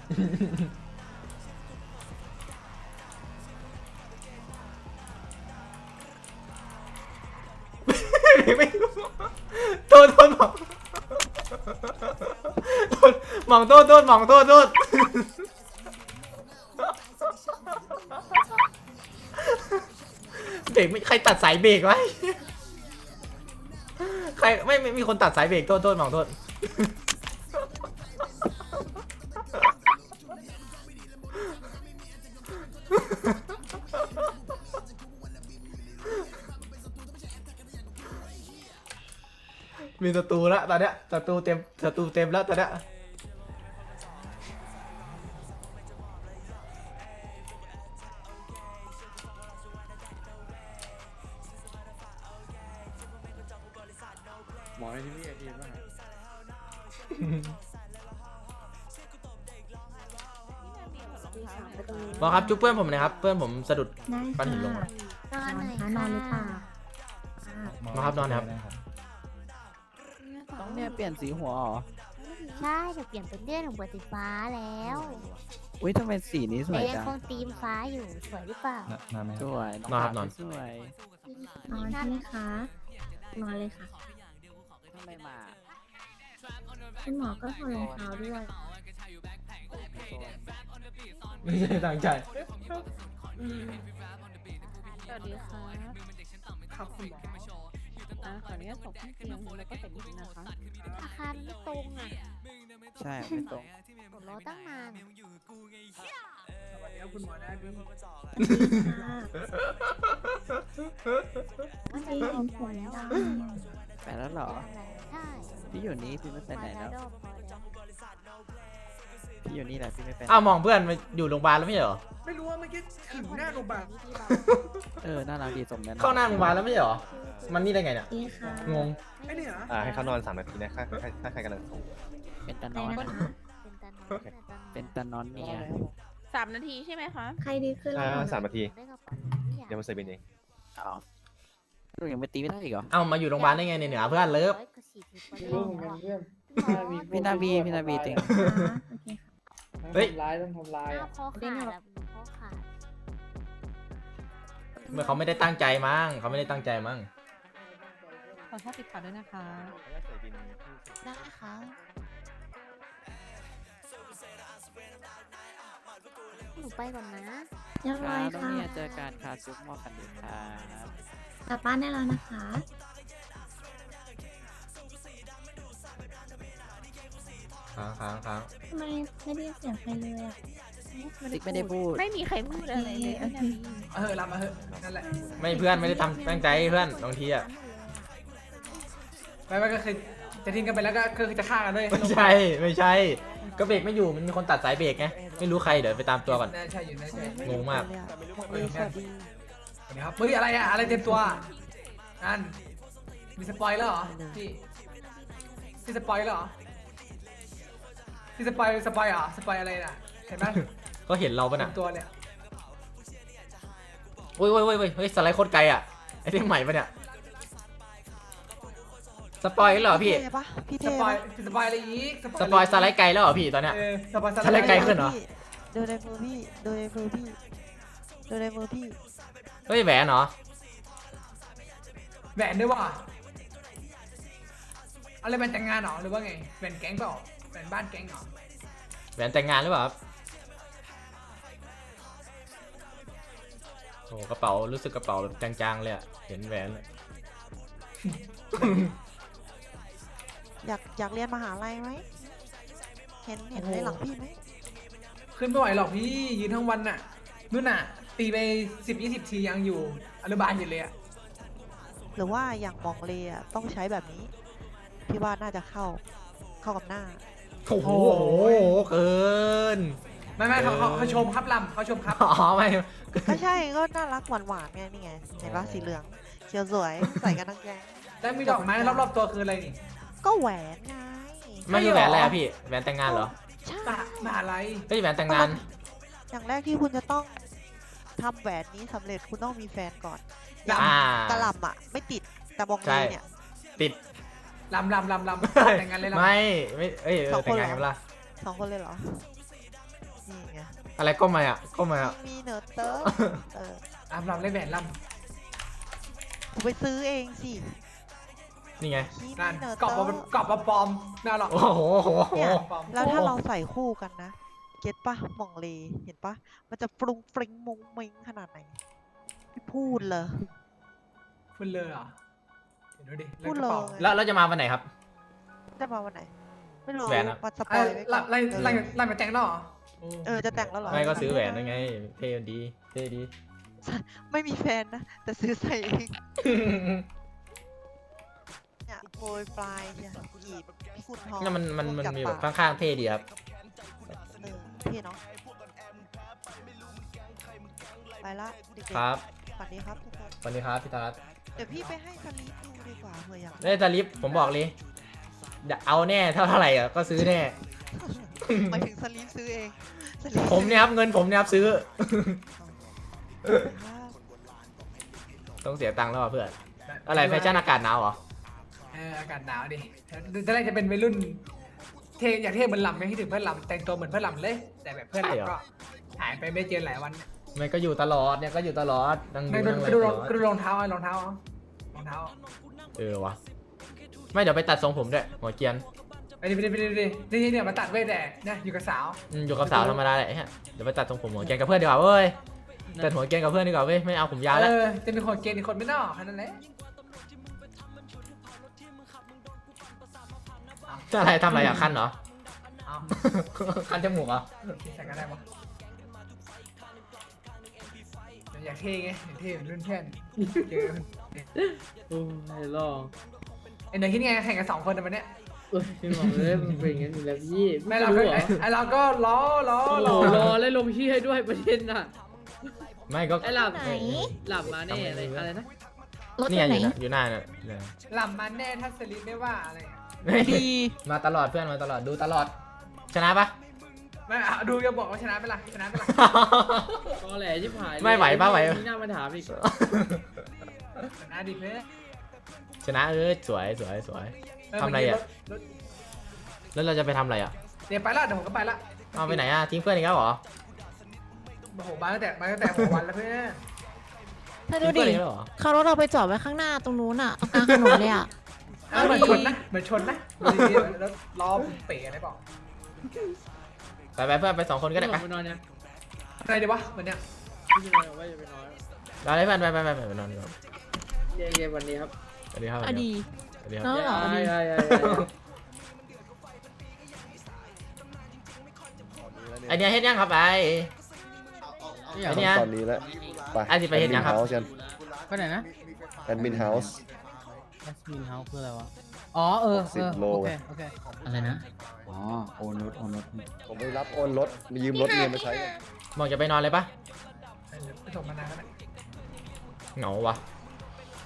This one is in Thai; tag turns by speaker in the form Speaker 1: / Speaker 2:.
Speaker 1: ไม่รู้โทษหมองหมองโทษหมองโทษเบรกไม่ใครตัดสายเบรกไว้ใครไม่มีคนตัดสายเบรกโทษหมองโทษมีศัตรูแล้วตอนเนี้ยศัตรูเต็มแล้วตอนเนี้ย
Speaker 2: หมอในที่นี่ไอทีมป่ะ
Speaker 1: หมอครับจุ๊บเพื่อนผมหนะครับเพื่อนผมสะดุด
Speaker 3: ได้
Speaker 1: ปั้นหินลง
Speaker 3: ค่ะ
Speaker 1: อะ
Speaker 3: นอนคะนอนหรือเปล่า
Speaker 1: มาครับนอนครับ
Speaker 4: ต้องเนี่ยเปลี่ยนสีหัวเหรอ
Speaker 3: ใช่เดี๋ยวเปลี่ยนเป็นเลือดของบัวสีฟ้าแล้ว
Speaker 4: อุ้ยทำไมสีนี้ส
Speaker 3: แต่
Speaker 4: วย
Speaker 3: ยัง
Speaker 4: จัง
Speaker 3: คงธีมฟ้าอยู่สวยหรือเปล่า
Speaker 4: สวย
Speaker 1: นอนครับนอน
Speaker 4: สวย
Speaker 5: นอนใช่ไหมคะ นอนเลยค่ะ
Speaker 4: ทำไมมา
Speaker 5: คุณหมอก็ถอดรองเท้าด้วย
Speaker 1: ไม่ใช่ตั้งใจ
Speaker 6: สวัสดีค่ะครับคุณหมอขออนุญาตส่งขึ้นเตียงแล้วก็ใส่บินนะคะ
Speaker 3: อาคารไม่ตรงอ่ะ
Speaker 4: ใช่ไม่ตรง
Speaker 3: ผมรอตั้งนาน
Speaker 6: สวัสดีครับคุณหมอได้พี่
Speaker 3: มัน
Speaker 5: ตี
Speaker 3: จะ
Speaker 5: ผมหัวแล้ว
Speaker 4: ไปแล้วเหรอ
Speaker 3: ใช่
Speaker 4: พี่อยู่นี่พี่ไม่ไปไหนแล้ว พี่อยู่นี่แหละพี่ไม่ไปไหน
Speaker 1: อ้าวมองเพื่อนมาอยู่โรงพยาบาลแล้วไม่ใช่เหรอ
Speaker 6: ไม่รู้ว่าเมื่อกี้ถึงหน้าโรงพยาบาล
Speaker 4: น่ารักดีสมนั้น
Speaker 1: เข้าหน้าโรงพยาบาลแล้วไม่ใช่เหรอมันนี่ได้ไงเนี่ย
Speaker 5: ตีค่ะ
Speaker 1: งง
Speaker 6: ไอ้นี่เหรอ
Speaker 2: ให้เขานอน3 นาทีนะถ้าใครกำลังส่ง
Speaker 4: เป็นตา
Speaker 5: ไป
Speaker 4: นอน
Speaker 5: นะคะ
Speaker 3: เป็นตานอน
Speaker 4: เป็นตานอนเนี่ย
Speaker 6: 3 นาทีใช่ไหมคะ
Speaker 5: ใครดีขึ้นแล้ว
Speaker 2: 3 นาที
Speaker 3: ได้กระเป๋า
Speaker 2: เดี๋ยวมาใส่เป็นเอง
Speaker 4: อ๋อลูกยังไม่ตีไม่ได้อีกเหรอ
Speaker 1: เอ้ามาอยู่โรงพยาบาลได้ไงเนี่ยเหนือเพื่อนเลิฟ
Speaker 4: พี่นาบีเต็ง
Speaker 5: โอเคค่ะ
Speaker 1: เฮ้ย
Speaker 3: หน้าคอขาดแบบคอขาด
Speaker 1: เมื่อเขาไม่ได้ตั้งใจมั้งเขาไม่ได้ตั้งใจมั้ง
Speaker 6: ขอโทษติดขัดด้วยนะคะ
Speaker 2: ใส่บิน
Speaker 3: ได้ค่ะ หนูไปก่อนนะ
Speaker 5: เรียบ
Speaker 4: ค
Speaker 5: ร้
Speaker 4: รั
Speaker 5: อย
Speaker 4: บแล้ว
Speaker 5: ค่ะ
Speaker 4: เนี่ยเจอการคาซุปมอกันดีครับ
Speaker 5: กลับบ้านได้แล้วนะคะ
Speaker 1: ค้าง
Speaker 5: ทำไมไม่ได้ยินเสียงใครเลยอ่ะ
Speaker 4: ติ๊กไม่ได้พูด
Speaker 6: ไม่มีใครพูดอะไรเลย
Speaker 5: โอเค
Speaker 6: รับมาเถอะนั่นแหละ
Speaker 1: ไม่เพื่อนไม่ได้ตั้งใจเพื่อนบางทีอ่ะ
Speaker 6: ไม่ก็คือจะทิ้งกันไปแล้วก็คือจะฆ่ากันด้วย
Speaker 1: ไม่ใช่ ก็เบรกไม่อยู่มันมีคนตัดสายเบรกไงไม่รู้ใครเดี๋ยวไปตามตัวก่อน
Speaker 6: น่าใช่อยู่น่าใช่
Speaker 1: งงมาก
Speaker 6: สวัสดีครับเฮ้ยอะไรอะอะไรเต็มตัวนั่นมีสปอยแล้วเหรอพี่สปอยแล้วเหรอพี่สปอยเหรอสปอยอะไรน่ะเห็นไหม
Speaker 1: ก็เห็นเราปะ
Speaker 6: เต็
Speaker 1: น่ะ
Speaker 6: มตัวเนี่ย
Speaker 1: โอ้ยเฮ้ยสไลด์โคตรไกลอ่ะไอ้เรื่องใหม่ปะเนี่ยสปอยเหรอพี่
Speaker 6: สปอยอะไรอีก
Speaker 1: สปอยสไลด์ไกลแล้วเหรอพี่ตอนเนี้ย
Speaker 6: สปอย
Speaker 1: สไลด์ไกลขึ้นเหรอ
Speaker 7: ดูในมือพี่ดูในมือพี่ดูในมือพี่
Speaker 1: เฮ้ยแหวนเหรอ
Speaker 6: แหวนด้วยว่ะอะไรเป็นแต่งงานเหรอหรือว่าไงแหวนแก๊งเปล่าแหวนบ้านแก๊งเหรอ
Speaker 1: แหวนแต่งงานหรือเปล่าครับโอ้กระเป๋ารู้สึกกระเป๋าแบบจางๆเลยอะเห็นแหวนเลย
Speaker 7: อยากเรียนมหาลัยไหมเห็นในหลังพี่ไหม
Speaker 6: ขึ้นไม่ไหวหรอกพี่ยืนทั้งวันน่ะนู่นน่ะตีไป10-20 ทียังอยู่อนุบาลอยู่เลยอะ
Speaker 7: หรือว่าอย่างมองเลอะต้องใช้แบบนี้พี่ว่าน่าจะเข้ากับหน้า
Speaker 1: โอ้โหเกิน
Speaker 6: ไม่เขาชมครับลำเขาชมครับ
Speaker 1: อ๋อไม่
Speaker 7: ก็ใช่ก็น่ารักหวานๆไงนี่ไงเห็นปะสีเหลืองเขียวสวยใส่กันทั้งแก๊ง
Speaker 6: แล้วมีดอกไม้รอบๆตัวคืออะไรนี่
Speaker 7: ก็แหวนไง
Speaker 1: ไม่คือแหวนอะไรอะพี่แหวนแต่งงานเหรอ
Speaker 7: ใช่
Speaker 6: มหาลัย
Speaker 1: เฮ้ยแหวนแต่งงาน
Speaker 7: อย่างแรกที่คุณจะต้องทำแหวนนี้สำเร็จคุณต้องมีแฟนก่อนอย่าง
Speaker 1: อ่าก
Speaker 7: ระหล่ำอะไม่ติดแต่มองเลเนี่ย
Speaker 1: ติด
Speaker 6: ลำแต่งงานเลยลำ
Speaker 1: ไม่เอ้ย
Speaker 7: สองค
Speaker 1: แต่
Speaker 7: น
Speaker 1: ง
Speaker 7: เหรอ
Speaker 1: งานกันปะล่ะ
Speaker 7: 2 คนเลยเหรอนี่ไง
Speaker 1: อะไรก้มมาอ่ะก้มมาอ่ะ
Speaker 7: มีเนอร์เตอร์เออ
Speaker 6: ลำเล่นแหวนล
Speaker 7: กูไปซื้อเองสิ
Speaker 1: นี่ไง
Speaker 7: คี
Speaker 6: ำนั่น
Speaker 7: มีเนอร์
Speaker 6: ก
Speaker 7: เต
Speaker 6: ร
Speaker 7: อ
Speaker 6: อบ
Speaker 7: ร์
Speaker 6: กรอบมาปลอมน่าหรอก
Speaker 1: โอ้โหโอ้โหโอ้โห
Speaker 7: เนี่ย
Speaker 6: ปลอม
Speaker 7: แล้วถ้าเราใส่คู่กันนะ เก็ตปะหม่องเลเห็นปะมันจะฟรุ้งฟริ้งมุ้งมิ้งขนาดไหนไม่พูดเลย
Speaker 6: พูดเลยเหรอเห็นดูดิ
Speaker 7: พูด
Speaker 6: กระ
Speaker 7: เลย
Speaker 6: เป๋า
Speaker 1: แล้วจะมาวันไหนครับ
Speaker 7: จะมาวันไหน ไม่รู้
Speaker 1: แหวนอะ
Speaker 7: มาสปอยไว้ก่อน
Speaker 6: ไล่มาแต่งแล้วเหรอ
Speaker 7: จะแต่งแล้วเหรอ
Speaker 1: ไม่ก็ซื้อแหวนยังไงเท่ดีเท่ดี
Speaker 7: ไม่มีแฟนนะ แต่ซื้อใส่เองเนี่ยโปรยปลายเนี่ยกีบพี่คุณทอง
Speaker 1: นั่นมัน
Speaker 7: พูดกับ
Speaker 1: มีแบบ
Speaker 7: ปาก
Speaker 1: ข้างๆเท่ดีครับ
Speaker 7: เท่เนาะไปละเด็กๆ
Speaker 1: ครับ
Speaker 7: สวัสดีครับทุกคน
Speaker 1: สวัสดีครับพี่ตาลัด
Speaker 7: เดี๋ยวพี่ไปให้สลีปดูดีกว่าเผื่ออยาก
Speaker 1: ได้ตาลิฟผมบอกเลยเดี๋ยวเอาแน่เท่าไหร่อ่ะก็ซื้อแน่
Speaker 7: หมายถึงสลีปซื้อเองสลีป
Speaker 1: ผมเนี่ยครับเงินผมเนี่ยครับซื้อ
Speaker 7: ครับ
Speaker 1: ต้องเสียตังค์แล้วอ่ะเพื่อนอะไรแฟชั่นอากาศหนาวเหรอ
Speaker 6: อากาศหนาวดิตอนแรกจะเป็นวัยรุ่นเท่อยากเท่เหมือนลำไม่คิดถึงเพื่อนลำแต่งตัวเหมือนเพื่อนลำเลย แต่แบบเพื่อนลำก็หายไปไม่เจอหลายวัน
Speaker 1: มันก็อยู่ตลอดเนี่ยก็อยู่ตลอดนั่งดูนั่งอะไร
Speaker 6: ดู
Speaker 1: ตลอด
Speaker 6: ดูรองเท้ารองเท้า
Speaker 1: วะไม่เดี๋ยวไปตัดทรงผมด้วยหัวเกรียน
Speaker 6: ไปดิเนี่ยมาตัดเว้ยแต่เนี่ยอยู่กับสาว
Speaker 1: อยู่กับสาวธรรมดาแหละฮะเดี๋ยวไปตัดทรงผมหัวเกรียนกับเพื่อนดีกว่าเว้ยตัดหัวเกรียนกับเพื่อนดีกว่าเว้ยไม่เอาผมยาวแล้ว
Speaker 6: จะมีคนเกณฑ์อีกคนไม่นอกแค่นั้นแหละ
Speaker 1: จะอะไรทำอะไรอ่ะคันเหรอ
Speaker 6: เอา
Speaker 1: คันจมูกเหรอ
Speaker 6: ใส่กันได้ปะอยากเท่ไงอยากเท่เหมือนรุ่นเพื่อนเจอ
Speaker 2: โอ้ยลอง
Speaker 6: ไอ้เนยคิดไงแข่งกัน2 คนในวันเนี้ย
Speaker 2: เอ้ยพี่บอกเลยมันเป็นอย่างนั้นอยู่แล้วพี่
Speaker 6: ไม่เราก็
Speaker 2: รู้เหรอ
Speaker 6: ไอเราก็ล้อ
Speaker 2: โอ้โหรอแล้วลงชื่อให้ด้วยประเด็นน่ะ
Speaker 1: ไม่ก็
Speaker 2: ไอ้หลับ
Speaker 3: ไหน
Speaker 2: หลับมาแน่อะไรนะ
Speaker 3: รถ
Speaker 1: เนี่ย
Speaker 3: ไหน
Speaker 1: อยู่หน้าเนี่ย
Speaker 6: หลับมันแน่ถ้าสลิปไม่ว่าอะไร
Speaker 7: ดี
Speaker 1: มาตลอดเพื่อนมาตลอดดูตลอด ชนะปะ
Speaker 6: ไม่ดูจะบอกว่าชนะไปละชนะไปละ
Speaker 2: ตอแหลชิบหาย
Speaker 1: ไม่ไหวปะไหว
Speaker 2: มีหน้ามาถามอีก
Speaker 6: ชนะดิเพื่อน
Speaker 1: ชนะสวยสวย ทำอะไรอะ แล้วเราจะไปทำอะไรอ่ะ
Speaker 6: เดี๋ยวไปละเดี๋ยวผมก็ไปละ
Speaker 1: เอาไปไหนอ่ะทิ้งเพื่อนอีกแล้วเหรอ
Speaker 6: โอ้โหมาตั้งแต่หัววันแล้วเพื่อน
Speaker 3: ถ้า
Speaker 1: ทิ้
Speaker 3: ดู
Speaker 1: งเพื่อน
Speaker 3: ดิ
Speaker 1: อีกแล้วเหรอ
Speaker 3: เขารถเราไปจอดไว้ข้างหน้าตรงนู้นอ่ะตรงกลางถนนเลยอ่ะ
Speaker 6: เหมือนชนนะแล้วล้อเป๋อะไรเปล่า
Speaker 1: ไปเพื่อนไป2 คนก็ได้ไป
Speaker 2: ไปนอนยัง
Speaker 6: อะไรดีวะวันเนี้ย
Speaker 2: พี่จะไปว่าจะไปนอน
Speaker 1: เราได้เพื่อนไปนอนดีกว่า
Speaker 2: เย่วันนี้ครับ
Speaker 1: สวัสดีครับ
Speaker 3: อดี
Speaker 1: สวัสดีครับ
Speaker 3: เนาะเหรอ
Speaker 1: ไอเนี้ยเฮ็ดยังครับไอ ไอ้เนี่ย
Speaker 8: ตอนนี้แล้วไป
Speaker 1: ไอ้ที่ไปเห็นยังครับ
Speaker 8: เฮาส์กัน
Speaker 2: ไปไหนนะ
Speaker 8: แอดมินเฮาส์
Speaker 2: แอสมินเฮาส์คืออะไรวะอ๋อ
Speaker 8: 10 โล
Speaker 2: โอเคอะไรนะอ๋อโอนรถ
Speaker 8: ผมไปรับโอนรถมียืมรถเมียมาใช้กัน
Speaker 1: บอกจะไปนอนเลยปะ
Speaker 6: ไปส่งมานานแล้ว
Speaker 1: เหงาวะ
Speaker 6: เ